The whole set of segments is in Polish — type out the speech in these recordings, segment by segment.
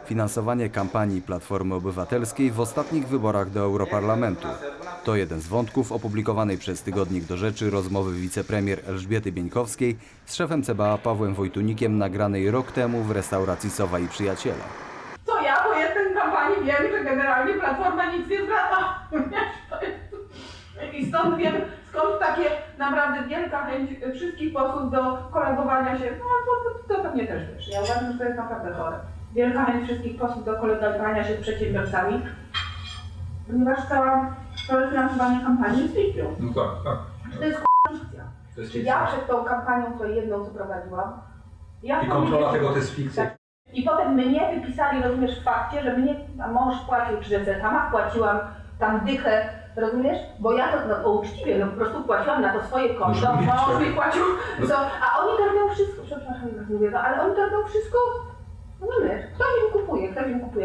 finansowanie kampanii Platformy Obywatelskiej w ostatnich wyborach do Europarlamentu. To jeden z wątków opublikowanej przez tygodnik Do Rzeczy rozmowy wicepremier Elżbiety Bieńkowskiej z szefem CBA Pawłem Wojtunikiem nagranej rok temu w restauracji Sowa i Przyjaciele. To ja po jestem kampanii wiem, że generalnie Platforma nic nie zwraca. I stąd wiem, skąd takie naprawdę wielka chęć wszystkich posłów do kolegowania się. No to pewnie też wiesz. Ja uważam, że to jest naprawdę chore. Wielka chęć wszystkich posłów do kolegowania się z przedsiębiorcami. Ponieważ całe finansowanie kampanii jest fikcją. No tak. To jest fikcja. Fikcja. Ja przed tą kampanią, co jedną, co prowadziłam, I kontrola tego to jest fikcja. Tak. I potem mnie wypisali, rozumiesz, w fakcie, że mnie mąż płacił 300, sama płaciłam tam dychę, rozumiesz? Bo ja to uczciwie, po prostu płaciłam na to swoje konto, mąż mi płacił, a oni to robią wszystko, przepraszam, że mówię, ale oni to robią wszystko, rozumiesz? Ktoś im kupuje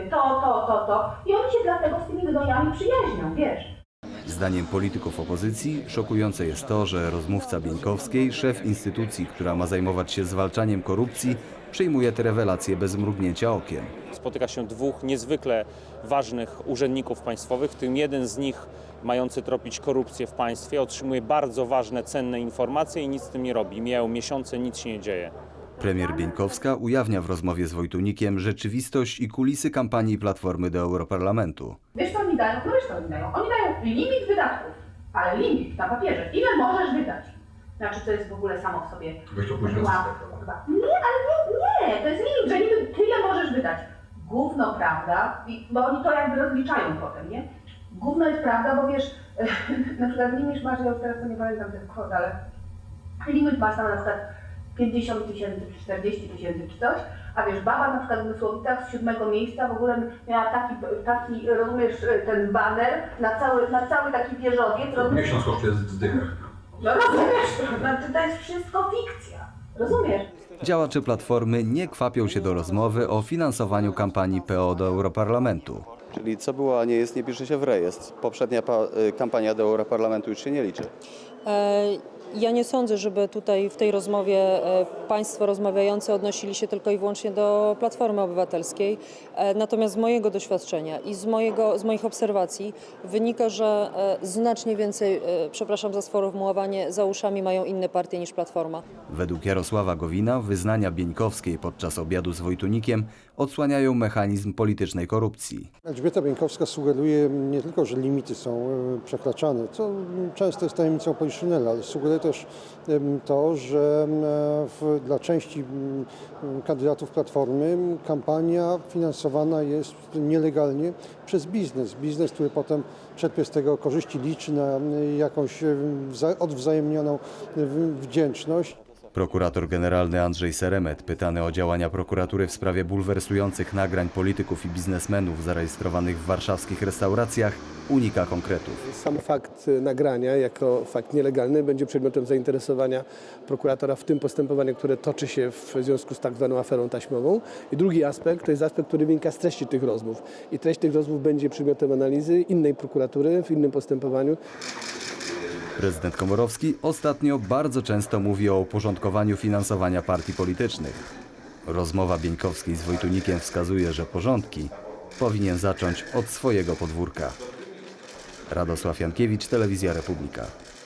to i oni się dlatego z tymi gnojami przyjaźnią, wiesz? Zdaniem polityków opozycji szokujące jest to, że rozmówca Bieńkowskiej, szef instytucji, która ma zajmować się zwalczaniem korupcji, przyjmuje te rewelacje bez mrugnięcia okiem. Spotyka się dwóch niezwykle ważnych urzędników państwowych, w tym jeden z nich mający tropić korupcję w państwie otrzymuje bardzo ważne, cenne informacje i nic z tym nie robi. Mijają miesiące, nic się nie dzieje. Premier Bieńkowska ujawnia w rozmowie z Wojtunikiem rzeczywistość i kulisy kampanii Platformy do Europarlamentu. Wiesz co oni dają? No wiesz co oni dają? Oni dają limit wydatków, ale limit na papierze. Ile możesz wydać? Znaczy to jest w ogóle samo w sobie. Weź to później Nie, ale nie, to jest limit, że niby tyle możesz wydać. Gówno prawda, bo oni to jakby rozliczają potem, nie? Gówno jest prawda, bo wiesz, na przykład limit masz, ja już teraz to nie pamiętam tych kwot, ale limit masz tam na przykład 50 000 czy 40 000 czy coś, a wiesz, baba na przykład w Mysłowicach z 7. miejsca w ogóle miała taki rozumiesz, ten baner na cały taki wieżowiec. Miesiąc kosztuje zdychę. No rozumiesz, znaczy to jest wszystko fikcja, rozumiesz? Działacze Platformy nie kwapią się do rozmowy o finansowaniu kampanii PO do Europarlamentu. Czyli co było, a nie jest, nie pisze się w rejestr. Poprzednia kampania do Europarlamentu już się nie liczy. Ja nie sądzę, żeby tutaj w tej rozmowie państwo rozmawiający odnosili się tylko i wyłącznie do Platformy Obywatelskiej. Natomiast z mojego doświadczenia i z moich obserwacji wynika, że znacznie więcej, przepraszam za sformułowanie, za uszami mają inne partie niż Platforma. Według Jarosława Gowina wyznania Bieńkowskiej podczas obiadu z Wojtunikiem odsłaniają mechanizm politycznej korupcji. Elżbieta Bieńkowska sugeruje nie tylko, że limity są przekraczane, co często jest tajemnicą poliszynela, ale sugeruje też to, że dla części kandydatów Platformy kampania finansowana jest nielegalnie przez biznes. Biznes, który potem czerpie z tego korzyści, liczy na jakąś odwzajemnioną wdzięczność. Prokurator generalny Andrzej Seremet, pytany o działania prokuratury w sprawie bulwersujących nagrań polityków i biznesmenów zarejestrowanych w warszawskich restauracjach, unika konkretów. Sam fakt nagrania jako fakt nielegalny będzie przedmiotem zainteresowania prokuratora w tym postępowaniu, które toczy się w związku z tak zwaną aferą taśmową. I drugi aspekt to jest aspekt, który wynika z treści tych rozmów. I treść tych rozmów będzie przedmiotem analizy innej prokuratury w innym postępowaniu. Prezydent Komorowski ostatnio bardzo często mówi o uporządkowaniu finansowania partii politycznych. Rozmowa Bieńkowskiej z Wojtunikiem wskazuje, że porządki powinien zacząć od swojego podwórka. Radosław Jankiewicz, Telewizja Republika.